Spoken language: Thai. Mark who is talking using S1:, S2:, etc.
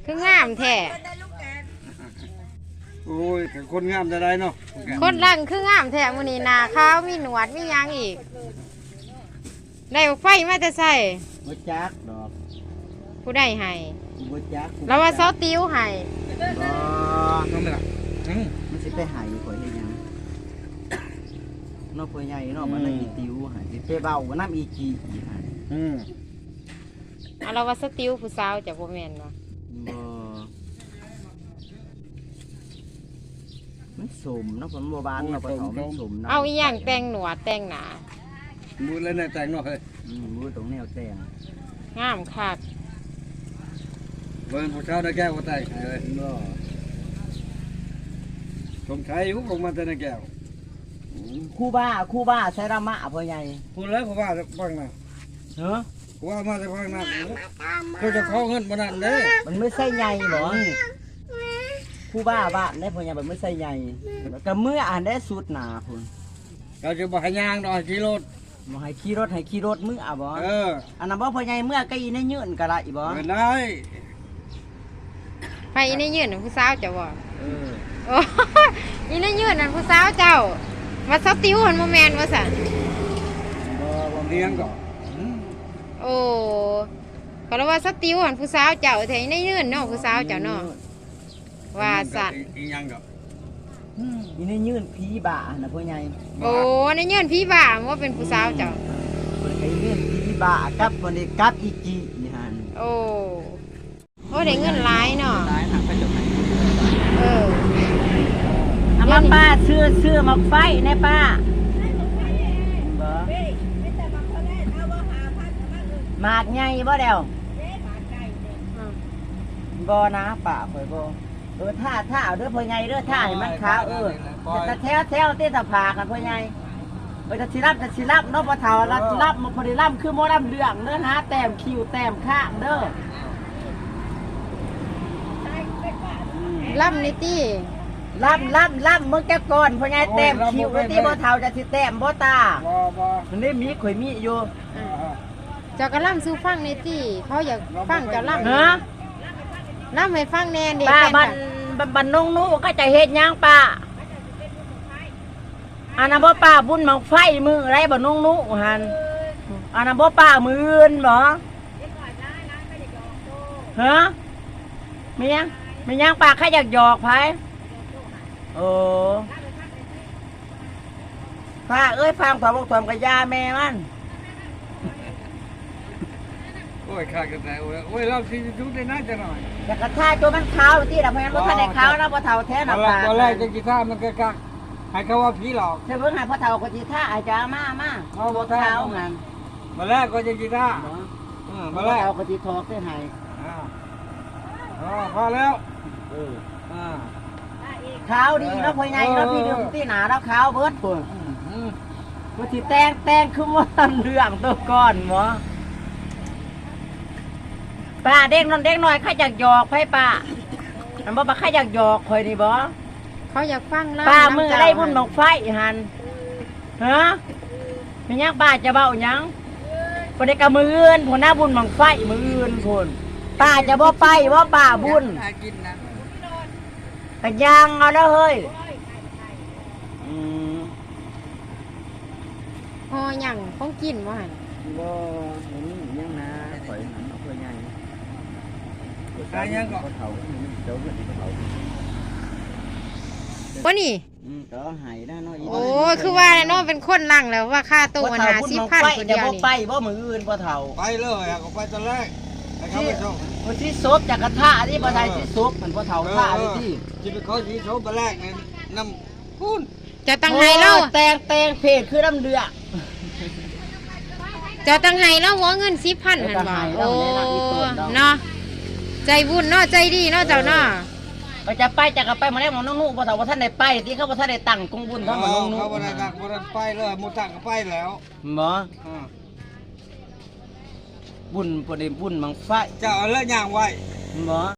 S1: คืองามแท้
S2: โอ้ยคนงามจะได้เนาะ
S1: คนรังคืองามแท้มื้อนี้หน้าขาวมีหนวดมีหยังอีกได้ไฟมาแต่ใส่
S3: บ่จักดอก
S1: ผู้ใดให้
S3: บ่จัก
S1: แล้วว่าเซาติ้วให้
S3: บ่
S2: ต้องได้ล่ะ
S3: มันสิไปหายข่อยเฮ็ดหยังนอกพ่อใหญ่เนาะมันได้อีติวหายสิไปเว้าน้ำอีจีอีหาย
S1: แล้วว่าเซาติ้วผู้สาวจะบ่แม่นบ่
S3: มันสมเนาะผมบ่บานเนาะปะเฒ่ามันสมเนาะ
S1: เอาอีหยังแต่งหนวดแต่งหน้า
S2: มือเลยในแต่งเนาะเฮ้ย
S3: มือตรงแนวแต่ง
S1: งามคัก
S2: เบิ่งผู้ชายได้แก้วก็แต่งให้เลยบ่สมชายอยู่ของมันแต่ในแก้ว
S3: คู่บ้าใช้ระมะพ่อใหญ่
S2: พูดแล้วผมว่าจะฟังนะ
S3: เนาะ
S2: ว่ามาจะฟังนะเขาจะขอเงินบ่นั่นเด้
S3: มันไม่ใช่ใหญ่บ่คู่บ้านได้พ่อใหญ่มันไม่ใช่ใหญ่ก็เมื่ออ่านได้สุดหนาพุ่น
S2: เราจะบ่ให้ย่างดอกขี่รถ
S3: บ่ให้ขี่รถมื้อบ่อันนั้นบ่พ่อใหญ่เมื่อก็อีในยืนก็ได้บ่
S2: ได้
S1: ไปอีในยืนผู้สาวเจ้าบ่โอ้อีในยืนนั่นผู้สาวเจ้ามาเซาติ้วหั่นบ่แม่นว่าซั่น
S2: บ่เลี้ยงก็
S1: โอ้ก็แล้วว่าเซาติ้วหั่นผู้สาวเจ้าแท้อีในยืนเนาะผู้สาวเจ้าเนาะว่าซั่น
S2: อีหยังก็
S3: อีในยืนผีบ้าน่ะพ่อใหญ่
S1: โอ้ในยืนผีบ้าว่าเป็นผู้สาวเจ้า
S3: เพิ่นไอ้ยืนผีบ้ากับบ่ได้กับอีจีนี่หั่น
S1: โอ้ได้เงินหลายเนาะ
S3: หลายทางไปจบให้
S1: เอา
S3: มาป้าซื้อมาไฟในป้าหมากใหญ่บ่เดียวบ่นะป้าข่อยบ่ท่าเอาเด้อพ่อใหญ่เด้อท่าให้มันขาวแต่แถวเต้ตะผากันพ่อใหญ่จะสิรับเนาะบ่เฒ่ารับมาพอดีรับคือบ่รับเรื่องเด้อนะแต้มคิวแต้มข้างเด้อ
S1: ล่ำนี่ตี้
S3: ล่ำมึงแกก่อนพ่อใหญ่แต้มคิวที่บ่เฒ่าจะสิแต้มบ่ตามันได้มีข่อยมีอยู่
S1: เจ้าก็ล่ำสู้ฟังนี่ตี้เขาอยากฟังเจ้าล่ำล่ำให้ฟังแน่เด็ก
S3: ป้าบันนงนู้ก็จะเฮ็ดหยังป้าอันนั้นบ่ป้าบุญหมอกไฟมือไรบันนงนู้หันอันนั้นบ่ป้ามืออื่นบ่ฮะมียังป้าใครอยากหยอกไผโอ้ป้าเอ้ยฟังความบอกความกับยาแม่มัน
S2: โอ้ยขาดกันแต่โอ้ยเราสิจุดได้น่าจะหน่อย
S3: แต่กระทาตัวมันขาวที่แต่เพราะงั้นบ่ทันได้ขาวนะบ่เฒ่าแท้น่ะป้า
S2: ตอนแรกจะกีท่ามันก็กักให้เขาว่าผีหลอก
S3: แต่เพิ่นให้พ่อเฒ่าก็สิท่าอาจารย์มาบ่เฒ่างั้น
S2: มาแรกก็จะกีท่า
S3: มาแรกเอาก็สิทอกได้ให้
S2: พอแล้ว
S3: ขาวดีเนาะพ่อใหญ่เนาะพี่ดึงที่หนาแล้วขาวเบิดพุ่นบ่สิแต่งคือว่าเรื่องตัวก่อนบ่ป้าเด็กน้อยใครอยากหยอกไผป้าอันบ่ใครอยากหยอกข่อยนี่บ่
S1: เขาอยากฟังแล้ว
S3: ป้ามือไล่บุญบังไฟหั่นฮะมีหยังป้าจะเว้าหยังบ่ได้กะมื้ออื่นพุ่นน่ะบุญบังไฟมื้ออื่นพุ่นป้าจะบ่ไปบ่ป้าบุญกะย่างเอาแล้วเฮ้ย
S1: หอหยังของกินบ่หั่น
S3: บ่เห็นยังนะข่อยหันเอาเพื่อใหญ่
S2: ยังก็
S3: เฒ่าเจ้าเพิ่นเฒ่า
S1: บ่นี่
S3: ก็หายนะเนาะ
S1: โอ้คือว่าเนาะเป็นคนลังแล้วว่าค่าตัวมัน50,000คนเดียวนี่
S3: ไปบ่มื้ออื่นบ่เฒ่า
S2: ไปเลยก็ไปตอนแรกให้เขาไปส่ง
S3: บ่สิซบจากกระทะนี่บ่ได้สิซบมันบ่เฒ่าท่านี่ที่
S2: สิไปเขาสิซบตอนแรกนี่น้ำพูน
S1: จะตั้งให้เรา
S3: แต่งเพจคือน้ำเดือ
S1: จะตั้งให้เราหัวเงิน10,000หั่นบ่โอ้เนาะใจบุญเนาะใจดีเนาะเจ้าเนาะ
S3: ก็จะไปจากไปมาแล้วมันนุ่งบ่เฒ่าบ่ทันได้ไปที่เขาบ่ทันได้ตั้งกงบุญเท่ามันนุ่ง
S2: เขาบ่ได้ตั้งบ่ได้ไปเลยหมู่ตั้งก็ไปแล้ว
S3: บ่บุญบ่ได้บุญบังไฟ
S2: เจ้าเอาแล้วย่างไว้
S3: บ่